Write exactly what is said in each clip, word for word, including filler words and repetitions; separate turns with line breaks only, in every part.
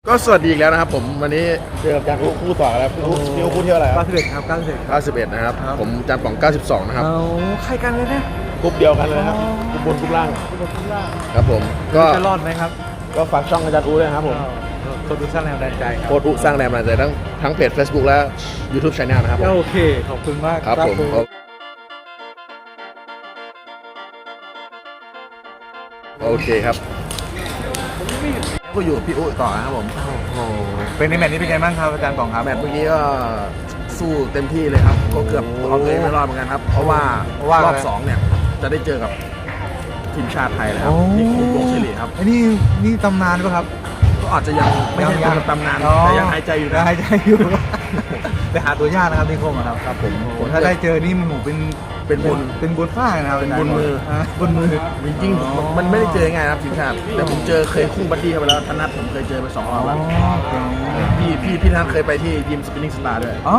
ก็สวัสดีอีกแล้วนะครับผมวันนี้เจอกับจานคู่ต่อแล้วคู่คู่คู่เที่ยวอะไรครับ
เก้าสิบเอ็ดครับเก้าสิบเอ็ด
เก้าสิบเอ็ดนะครับผมจานป่องเก้าสิบสองนะครับ
เอาใครกันเลยนะ
กรุ๊ปเดียวกันเลยครับกรุ๊ปบนกรุ๊ปล่าง
บนทุกล่าง
ครับผมก็
จะรอดไหมครับ
ก็ฝากช่องอาจารย์อูด้วยนะครับผม
โคตรสร้างแรงบันดาลใจครับ
โค้ดอุสร้างแรงบันดาลใจทั้งทั้งเพจ Facebook และ YouTube Channel นะครับผม
โอเคขอบคุณมาก
ครับผมโอเคครับก็อยู่กับพี่อุ๊ต่อนะครับผม
โอ้โหเป็นในแมตช์นี้เป็นไงบ้างครับอาจารย์ป๋องครับ
แมตช์เมื่อกี้ก็สู้เต็มที่เลยครับก็เกือบเอาตัวเองไม่รอดเหมือนกันครับเพราะว่ารอบสองเนี่ยจะได้เจอกับทีมชาติไทยแล้วครับนี่คุณวงศิริครับ
ไอ้นี่นี่ตำนานป่ะครับ
ก็อาจจะยังไม่ใช่เป็นตำนานแต่ยังหายใจอยู่นะ
หายใจอยู่ แต่หาตัวยากนะครับนี่โค้งครับ
ครับผม
โอ้ถ้าได้เจอนี่มันหมูเป็น
เป็นบุญ
เป็นบุญฟ้านะครับ
เป็นบุญมือ
บุญมือ
จริงๆมันไม่ได้เจอง่ายครับทีมชาติแต่ผมเจอเคยคู่บัดดี้เข้าไปแล้วธนัทผมเคยเจอไปสองรอบแล้วพี่พี่พี่ธนัทเคยไปที่ยิมสปินนิ่งสตาร์ด้วย
อ๋อ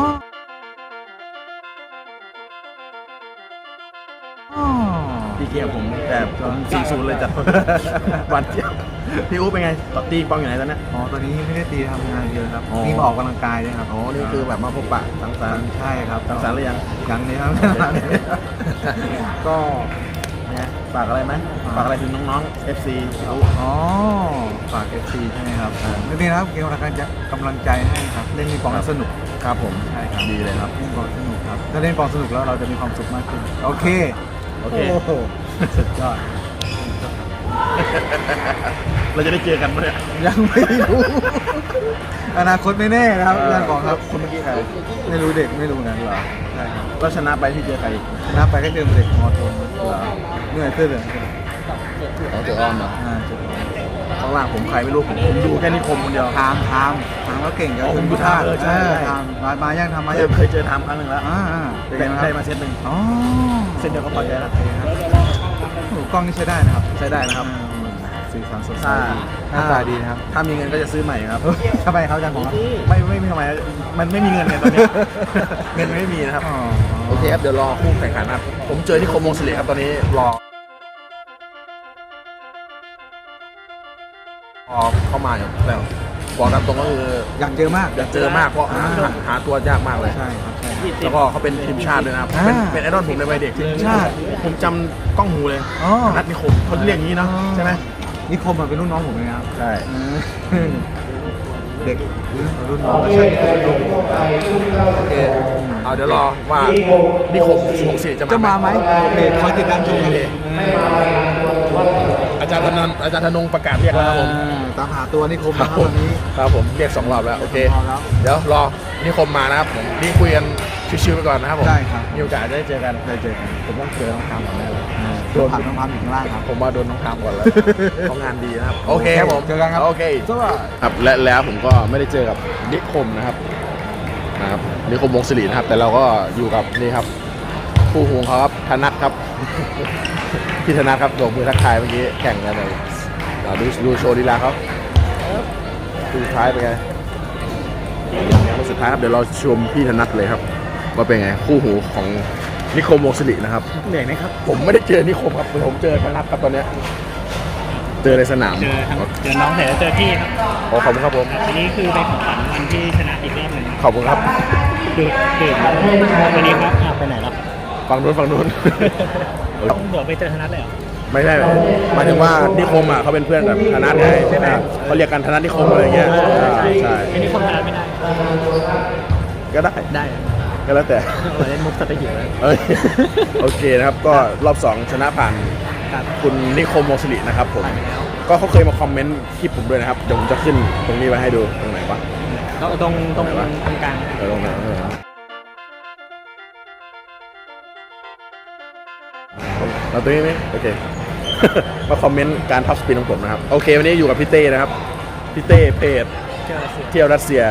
อ๋อ
พี่เกียร์ผมแต่ผมสี่ศูนย์เลยจัด วันเดียวพี่อุ๊เป็นไงต่อตีปองอยู่ไหนตอนนี้
อ๋อตอนนี้ไม่ได้ตีทำงานเยอะครับ
อ๋อ
นี่มาออกกำลังกายด้วยครับ
อ๋อนี่คือแบบมาพบปะสังสรรค์
ใช่ครับ
สังสรรค์หรือยัง
ยังเลยครับ
ก็ไงฝากอะไรไหมฝากอะไรถึงน้องๆ เอฟ ซี
อ๋อฝาก เอฟ ซี ใช่ไหมครับไม่เป็นไรครับเกมกำลังใจกำลังใจให้ครับเล่นมีปองสนุก
ครับผม
ใช่ครับ
ดีเลยครับ
เล่นปองสนุกครับถ้าเล่นปองสนุกแล้วเราจะมีความสุขมากขึ้นโอเค
โอเค
โอ้โหสุดยอด
เราจะได้เจอกันไหมเนี่ย
ยังไม่รู้อนาคตไม่แน่นะครับอาจารย์บอกครับ
คนเมื่อกี้ใคร
ไม่รู้เด็กไม่รู้นะ
เหรอ
ใช่ครับ
ก็ชนะไปที่เจอใคร
ชนะไปก็เจอเด็กมอทนเหนื่อยเสื้อเหลือง
อ๋อเจออ้อมเหรอ
อ่าเจอ
ข้างล่างผมใครไม่รู้ผมผมดูแค่นิคมคนเดียว
ทามทามทามก็เก่งกับ
อ๋อ
คุณ
คุณ
พุทธา
เออใช่ใช่
ทามมามายังทำมา
เค
ยั
ย
ง
เคยเจอทำครั้งหนึ่งแล้ว
อ่าอ่าเป็น
ได้
ไง
ได้
ครับ
มาเซตหนึ่ง
อ๋อ
เซตเดียวก็พอใจแล้ว
โอ้โหกล้องนี่ใช้ได้นะครับ
ใช้ได้นะครับ
สีสันสดใส
ถ้า
หน้าตาดีนะครับ
ถ้ามีเงินก็จะซื้อใหม่ครับ
เฮ้ยทำไมครับอาจารย์ผมครับ
ไม่ไม่มีทำไมมันไม่มีเงินไงตอนเนี้ย เงินไม่มีนะครับ
อ๋อ
โอเคครับเดี๋ยวรอคู่แข่งขันนะครับผมเจอที่คมวงศิริครับตอนนี้รอพอเข้ามาอยู่แต่บอกตามตรงก็คือ
อยากเจอมาก
อยากเจอมากเพราะหาหาหาตัวยากมากเลย
ใช่ครับใช่ครับ
แล้วก็เขาเป็นทีมชาติด้วยนะครับ
อ่า
เป็นเป็นไอดอลผมในวัยเด็ก
ทีมชาติ
ผมจำกล้องหูเลย
อ๋อ
นัทนิคมเขาเรียกอย่างนี้เนาะใช่ไหม
นิคมมาเป็นรุ่นน้องผมเลยนะครับ
ใช่
อืมเด็กรุ่นน้องก็ใช่นิคม
โอเคเอาเดี๋ยวรอว่านิคมวงศิริจะ
จะ
มา
มาไหมเพจคอยติดตามชมกันเลย
อาจารย์ธนนอาจารย์ธนงประกาศเรียกแล้วครับผม
ตามหาตัวนิคม
ครับ
นะครับ
ผม
วันนี้
ครับผมเรียกสองรอบแล้วโอเค
พอแล้ว
เดี๋ยวรอนิคมมานะครับผมนี่คุยกันชิวๆไปก่อนนะครับผม
ได้ครับ
มีโอกาสจะได้เจอกัน
ได้เจอกัน
ผมต้องเจอน้องทามก่อนแน่เลย
โดนผักน้องพัมอยู่ข้างล่างครับ
ผมว่าโดนน้องทามก่อนแล้ว เขางานดีนะครับโอเคครับผม
เจอกันครับ
โอเคครับและแล้วผมก็ไม่ได้เจอกับนิคมนะครับนะครับนิคมวงศิรินะครับ แต่เราก็อยู่กับนี่ครับคู่หูของเขาครับธนัทครับ พี่ธนัทครับโบกมือทักทายเมื่อกี้แข่งกันเลยเราดูดูโชว์ลีลาเขาคู่สุดท้ายเป็นไงคู่สุดท้ายครับเดี๋ยวเราชมพี่ธนัทเลยครับว่าเป็นไงคู่หูของนิคมวงศิรินะครับ
เหนื่อยไหมครับ
ผมไม่ได้เจอนิคมครับผมเจอธนัทครับตอนเนี้ยเจอในสนาม
เจอทั้งเจอน้องเสร็จแล้วเจอพี่ครับ
ขอขอบคุณครับผม
ทีนี้คือเป็นของขวัญวันที่ชนะอีกรอบหนึ่ง
ขอบคุณครับ
ดูดูวันนี้ครับอ่ะไปไหนแล้ว
ฝั่งนู้นฝั่งนู้น
ต้องเดี๋ยวไปเจอธนัทเลยเหรอ
ไม่ใช่หมายถึงว่านิคมอ่ะเขาเป็นเพื่อนกับธนัทไงใช่ไหมเขาเรียกกันธนัทนิคมอะไรอย่างเงี้ยอ่าใช่
อันนี้คนธนัทไม่ได้
ก็ได้
ได้
ก็แล้วแต่
เราเล่นมุกสเปรย์หิวแล้ว
เอ้ยโอเคนะครับก็รอบสองชนะผ่าน
ครับ
คุณนิคมวงศิรินะครับผม
ผ่านไปแล้ว
ก็เขาเคยมาคอมเมนต์คลิปผมด้วยนะครับเดี๋ยวผมจะขึ้นตรงนี้ไว้ให้ดูตรงไหนวะ
แล้วตรงตรง
ไหนวะ
ตรงกลาง
เออตรงไหนตรงไหนวะเราตรงนี้ไหมโอเค มาคอมเมนต์การพับสปินของผมนะครับโอเควันนี้อยู่กับพี่เต้นะครับพี่เต้เพจ
เจอเสีย
เที่ยวรัสเซีย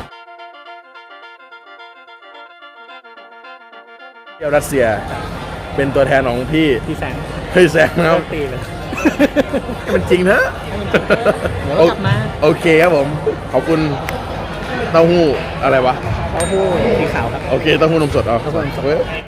เที่ยวรัสเซีย เป็นตัวแทนของพี่
พี่แสง
เฮ้ยแซงนะครับ
ตีเลย
ให้มันจริงเถอะ
เดี๋ยวเรากลับมา
โอเคครับผม ขอบคุณเต้าหู้อะไรวะ
เขาพูดสีขาวครับ
โอเคเต้าหู้นมสดเอา
เต้าหู้นมสด
เว้ย